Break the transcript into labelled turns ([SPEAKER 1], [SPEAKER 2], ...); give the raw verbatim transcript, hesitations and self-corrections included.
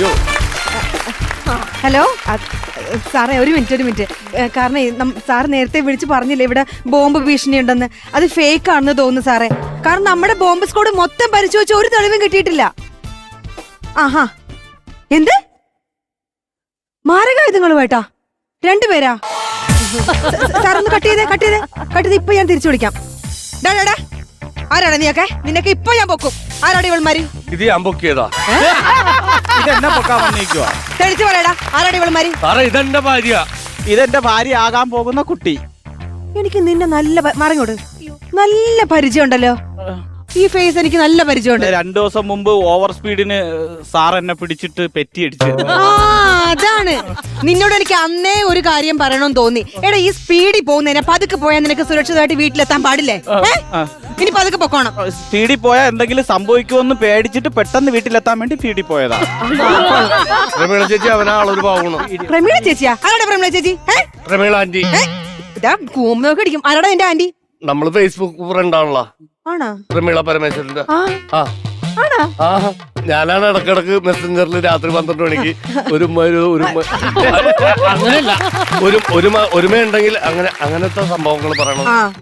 [SPEAKER 1] Hello സാറേ, ഒരു minute ഒരു മിനിറ്റ് കാരണം സാർ നേരത്തെ വിളിച്ച് പറഞ്ഞില്ലേ ഇവിടെ ബോംബ് ഭീഷണി ഉണ്ടെന്ന്. അത് ഫേക്ക് ആണെന്ന് തോന്നുന്നു സാറേ. കാരണം നമ്മുടെ ബോംബ് സ്ക്വാഡ് മൊത്തം പരിശോധിച്ച് ഒരു തെളിവും കിട്ടിയിട്ടില്ല. ആഹാ, എന്ത് മാരകായുധങ്ങളുമായിട്ടാ? രണ്ടുപേരാ? സാർ ഒന്ന് കട്ട് ചെയ്തേ കട്ട് ചെയ്തേ കട്ട് ചെയ്ത് ഇപ്പൊ ഞാൻ തിരിച്ചു വിളിക്കാം. ഡാടാ, ആരാണ് നീയൊക്കെ? നിനക്ക് ഇപ്പൊ ഞാൻ പൊക്കും. ആരാണ് ഇവൾമാര്?
[SPEAKER 2] ഇത് ഞാൻ പൊക്കിയതാ.
[SPEAKER 1] തെളിച്ചു പറയടാ, ആരാണ് ഇവൾമാര്?
[SPEAKER 2] സാറേ, ഇതെന്റെ ഭാര്യ.
[SPEAKER 3] ഇതെന്റെ ഭാര്യ ആകാൻ പോകുന്ന കുട്ടി.
[SPEAKER 1] എനിക്ക് നിന്നെ നല്ല മറിങ്ങോട്ട് നല്ല പരിചയം ഉണ്ടല്ലോ. ഈ ഫേസ് എനിക്ക് നല്ല പരിചയമുണ്ട്.
[SPEAKER 3] രണ്ടു ദിവസം മുമ്പ് ഓവർ സ്പീഡിന് സാർ എന്നെ പിടിച്ചിട്ട് പെറ്റിയടിച്ചു.
[SPEAKER 1] ആ, അതാണ്. നിന്നോട് എനിക്ക് അന്നേ ഒരു കാര്യം പറയണമെന്ന് തോന്നി. എടാ, ഈ സ്പീഡിൽ പോകുന്നതിനെ പതുക്കെ പോയാൽ നിനക്ക് സുരക്ഷിതമായിട്ട് വീട്ടിലെത്താൻ പാടില്ലേ? ഇനി പതുക്കെ പൊക്കോണം.
[SPEAKER 3] സ്പീഡിൽ പോയാൽ എന്തെങ്കിലും സംഭവിക്കുമെന്ന് പേടിച്ചിട്ട് പെട്ടെന്ന് വീട്ടിലെത്താൻ വേണ്ടി സ്പീഡിൽ പോയതാ.
[SPEAKER 2] പ്രമീള ചേച്ചി അവനാളൊരു പാവണം.
[SPEAKER 1] പ്രമീള ചേച്ചിയാ? ആരാടാ പ്രമീള ചേച്ചി?
[SPEAKER 2] പ്രമീള ആന്റി.
[SPEAKER 1] ഇതാ കൂമ്പ് നോക്കി അടിക്കും. ആരാടാ എന്റെ ആന്റി?
[SPEAKER 2] നമ്മള് ഫേസ്ബുക്ക് ഫ്രണ്ട് ആണല്ലോ.
[SPEAKER 1] ആണോ?
[SPEAKER 2] പ്രമീള പരമേശ്വരന്റെ. ആ, ഞാനാണ് ഇടക്കിടക്ക് മെസ്സഞ്ചറിൽ രാത്രി പന്ത്രണ്ട് മണിക്ക് ഒരു അങ്ങനെയല്ല ഒരു ഒരുമ ഉണ്ടെങ്കിൽ അങ്ങനെ അങ്ങനത്തെ സംഭവങ്ങൾ പറയണം.